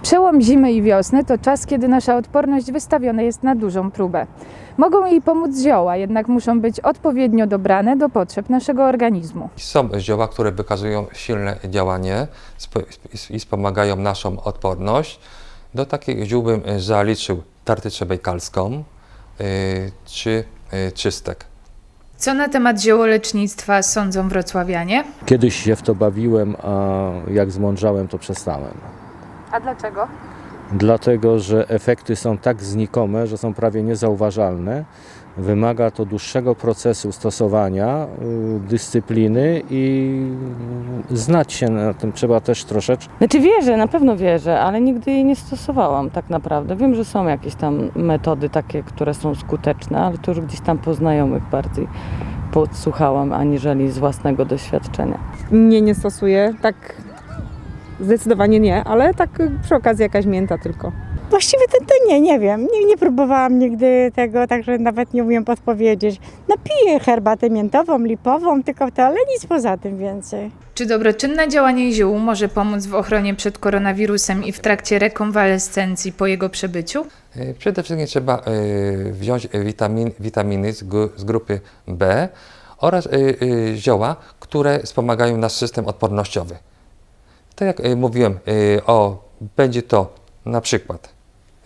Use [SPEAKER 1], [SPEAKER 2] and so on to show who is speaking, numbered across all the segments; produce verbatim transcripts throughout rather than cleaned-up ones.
[SPEAKER 1] Przełom zimy i wiosny to czas, kiedy nasza odporność wystawiona jest na dużą próbę. Mogą jej pomóc zioła, jednak muszą być odpowiednio dobrane do potrzeb naszego organizmu.
[SPEAKER 2] Są zioła, które wykazują silne działanie i wspomagają naszą odporność. Do takich ziół bym zaliczył tartyczę bejkalską yy, czy yy, czystek.
[SPEAKER 1] Co na temat ziołolecznictwa sądzą wrocławianie?
[SPEAKER 3] Kiedyś się w to bawiłem, a jak zmądrzałem, to przestałem.
[SPEAKER 1] A dlaczego?
[SPEAKER 3] Dlatego, że efekty są tak znikome, że są prawie niezauważalne. Wymaga to dłuższego procesu stosowania, y, dyscypliny i znać się na tym trzeba też troszeczkę.
[SPEAKER 4] Znaczy wierzę, na pewno wierzę, ale nigdy jej nie stosowałam tak naprawdę. Wiem, że są jakieś tam metody takie, które są skuteczne, ale to już gdzieś tam po znajomych bardziej podsłuchałam, aniżeli z własnego doświadczenia.
[SPEAKER 5] Nie, nie stosuję, tak zdecydowanie nie, ale tak przy okazji jakaś mięta tylko.
[SPEAKER 6] Właściwie to, to nie, nie wiem. Nie, nie próbowałam nigdy tego, także nawet nie umiem podpowiedzieć. No piję herbatę miętową, lipową, tylko to, ale nic poza tym więcej.
[SPEAKER 1] Czy dobroczynne działanie ziół może pomóc w ochronie przed koronawirusem i w trakcie rekonwalescencji po jego przebyciu?
[SPEAKER 2] Yy, Przede wszystkim trzeba yy, wziąć witamin, witaminy z, gru, z grupy B oraz yy, yy, zioła, które wspomagają nasz system odpornościowy. Tak jak yy, mówiłem, yy, o, będzie to na przykład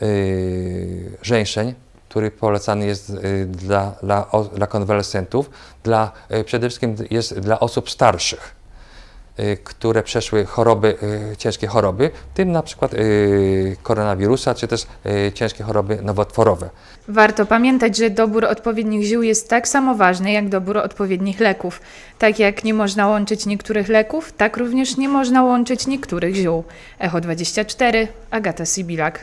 [SPEAKER 2] Yy, żeńszeń, który polecany jest yy, dla, dla, o, dla konwalescentów, dla, yy, przede wszystkim jest dla osób starszych, yy, które przeszły choroby, yy, ciężkie choroby, w tym na przykład yy, koronawirusa, czy też yy, ciężkie choroby nowotworowe.
[SPEAKER 1] Warto pamiętać, że dobór odpowiednich ziół jest tak samo ważny jak dobór odpowiednich leków. Tak jak nie można łączyć niektórych leków, tak również nie można łączyć niektórych ziół. Echo dwadzieścia cztery, Agata Sibilak.